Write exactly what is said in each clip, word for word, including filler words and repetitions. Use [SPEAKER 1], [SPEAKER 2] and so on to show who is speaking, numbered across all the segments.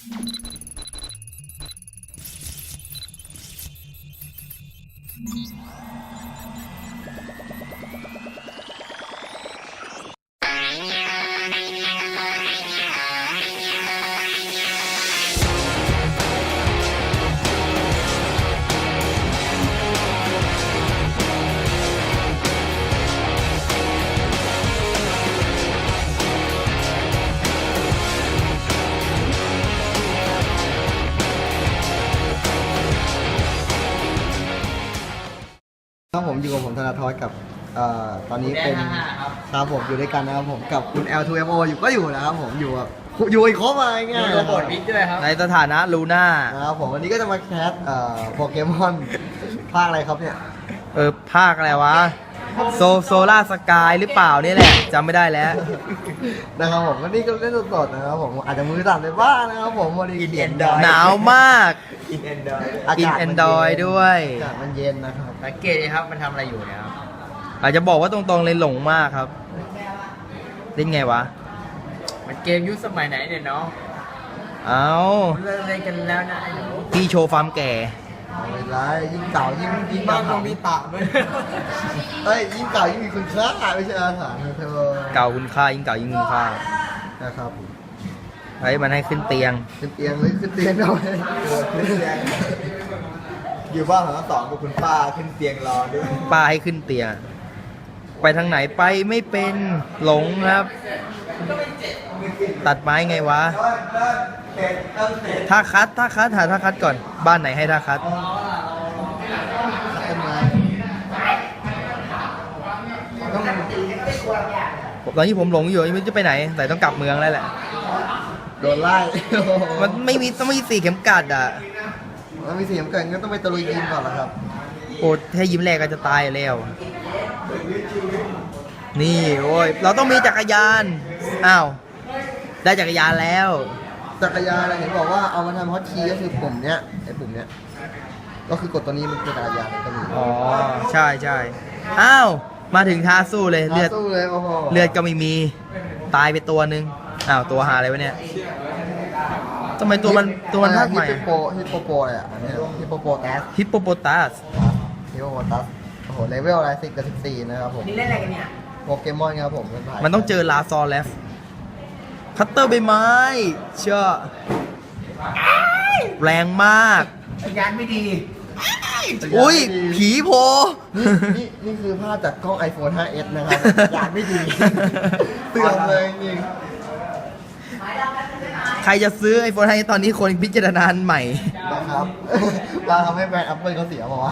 [SPEAKER 1] ครับผมอยู่กับผมธนาธรกับเอ่อตอนนี้เป็นครับผมอยู่ด้วยกันนะครับผมกับคุณ แอล ทู เอ็ม โอ อยู่ก็อยู่นะครับผมอยู่กับอยู่อีกครบอะไรเงี้ยอยู่กับบทวิกด้วยครับ
[SPEAKER 2] ในสถานะลูน่า
[SPEAKER 1] นะครับผมวันนี้ก็จะมาแคสเอ่อโปเกมอนภาคอะไรครับเนี่ย
[SPEAKER 2] เออภาคอะไรวะโซโซล่าสกายหรือเปล่านี่แหละจำไม่ได้แล้ว
[SPEAKER 1] นะครับผมวันนี้ก็เล่นสดๆนะครับผมอาจจะมือสั่นไปบ้างนะครับผมวันนี้กินแอนดรอย
[SPEAKER 2] หนาวมาก
[SPEAKER 1] กินแอนดรอย
[SPEAKER 2] กินแอนดรอยด้วย
[SPEAKER 1] อากาศมันเย็นนะครับ
[SPEAKER 3] สังเกตเลยครับมันทำอะไรอยู่เนี่ยครับ
[SPEAKER 2] อาจจะบอกว่าตรงๆเลยหลงมากครับเล่นไงวะ
[SPEAKER 3] มันเกมยุคสมัยไหนเนี่ยเนาะ
[SPEAKER 2] เอา
[SPEAKER 3] เล่นอะไรกันแล้วนะไอ้หนู
[SPEAKER 2] พี่โชว์ฟาร์มแก่
[SPEAKER 1] ไม่ไรยิ่งเก่ายิ่งยิ่งมากต้องมีตะด้วยเฮ้ยยิ่งเก่ายิ่งมีคุณค่าไม่ใช่อาหารเธอ
[SPEAKER 2] เก่าคุณค่ายิ่งเก่ายิ่งคุณค่า
[SPEAKER 1] นะครับ
[SPEAKER 2] ไอ้มันให้ขึ้นเตียง
[SPEAKER 1] ขึ้นเตียงเลยขึ้นเตียงหน่อยขึ้นเตียงอยู่บ้านของทั้งสองกับคุณป้าขึ้นเตียงรอด้วย
[SPEAKER 2] ป้าให้ขึ้นเตียงไปทางไหนไปไม่เป็นหลงครับตัดไม้ไงวะท่าคัดท่าคัดหาท่าคัดก่อนบ้านไหนให้ท่าคัดตอนที่ผมหลงอยู่ไม่รู้จะไปไหนแต่ต้องกลับเมืองแล้วแหละ
[SPEAKER 1] โดนไล่
[SPEAKER 2] มันไม่มีต้องมีสี่เข็มกัดอ่ะ
[SPEAKER 1] มันมีสี่เข็มกัดงั้นต้องไปตะลุยยิมก่อนละครับ
[SPEAKER 2] โอ้ถ้ายิ้มแรกก็จะตายแล้วนี่โอ้ยเราต้องมีจักรยานอ้าวได้จักรยานแล้ว
[SPEAKER 1] จักรยานอะไรเห็นบอกว่าเอามาทำฮอตคีย์ก็คือปุ่มเนี้ยไอ้ปุ่มเนี้ยก็คือกดตัวนี้มันเป็นจักรยานก็มี
[SPEAKER 2] อ๋อใช่ใช่อ้าวมาถึงท้าสู้เลยเลือดเลือดก็ไม่มีตายไปตัวนึงอ้าวตัวหาอะไรวะเนี่ยทำไมตัวมันตัวมันภาคใหม่
[SPEAKER 1] ฮิปโปฮิปโปโปอะไรอ่ะอันนี้ฮิปโปโปตัส
[SPEAKER 2] ฮิปโปโปตัส
[SPEAKER 1] ฮิปโปโปตัสโอ้โหเลเวลอะไรสิบกับสิบสี่นะครับผม
[SPEAKER 3] นี่เล่นอะไรกันเนี่ย
[SPEAKER 1] โปเกมอนครับผม
[SPEAKER 2] มันต้องเจอลาซอลแล้วคัตเตอร์ใบไม้เชื่อแรงมาก
[SPEAKER 3] ยานไม่ดี
[SPEAKER 2] อุ้ยผีโพ
[SPEAKER 1] นี่นี่นี่คือภาพจากกล้อง ไอโฟน ไฟว์ เอส นะครับยานไม่ดีเตือนเลยจริง
[SPEAKER 2] ใครจะซื้อ ไอโฟน ไฟว์ ตอนนี้คนพิจารณาใหม่
[SPEAKER 1] นะครับเราทำให้แบรนด์ Apple เขาเสียบอกว่า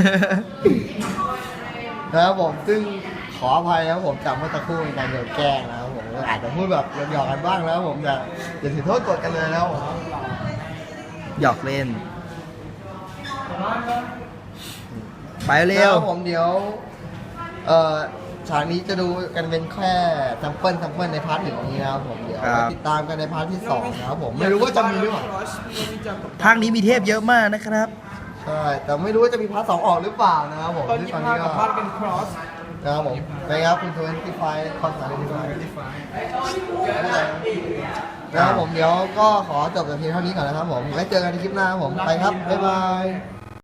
[SPEAKER 1] นะครับผมซึ่งขออภัยนะครับผมจำเมื่อตะครู่ในการโดนแกล้งนะครับผมอาจจะพูดแบบหยอกกันบ้างแล้วผมจะอย่าถือโทษกดกันเลยแล้ว
[SPEAKER 2] หยอกเล่นไปเร็ว
[SPEAKER 1] ผมเดี๋ยวเอ่อฉากนี้จะดูกันเป็นแค่ซัมเปิลซัมเปิลในพาร์ทหนึ่งนี้นะครับผมเดี๋ยวติดตามกันในพาร์ทที่สองนะครับผมไม่รู้ว่าจะมีหรือเปล่า
[SPEAKER 2] ภาคนี้มีเทพเยอะมากนะครับ
[SPEAKER 1] ใช่แต่ไม่รู้ว่าจะมีพาร์ทสองออกหรือเปล่านะครับผม
[SPEAKER 3] ตอนนี้พาร์ทกับพาร์ทเป็นครอส
[SPEAKER 1] นะครับผมไปครับคุณทเวนตี้ไฟคอนเสิร์ตที่ไฟนะครับผมเดี๋ยวก็ขอจบแต่เพียงเท่านี้ก่อนนะครับผมไว้เจอกันในคลิปหน้าผมไปครับบ๊ายบาย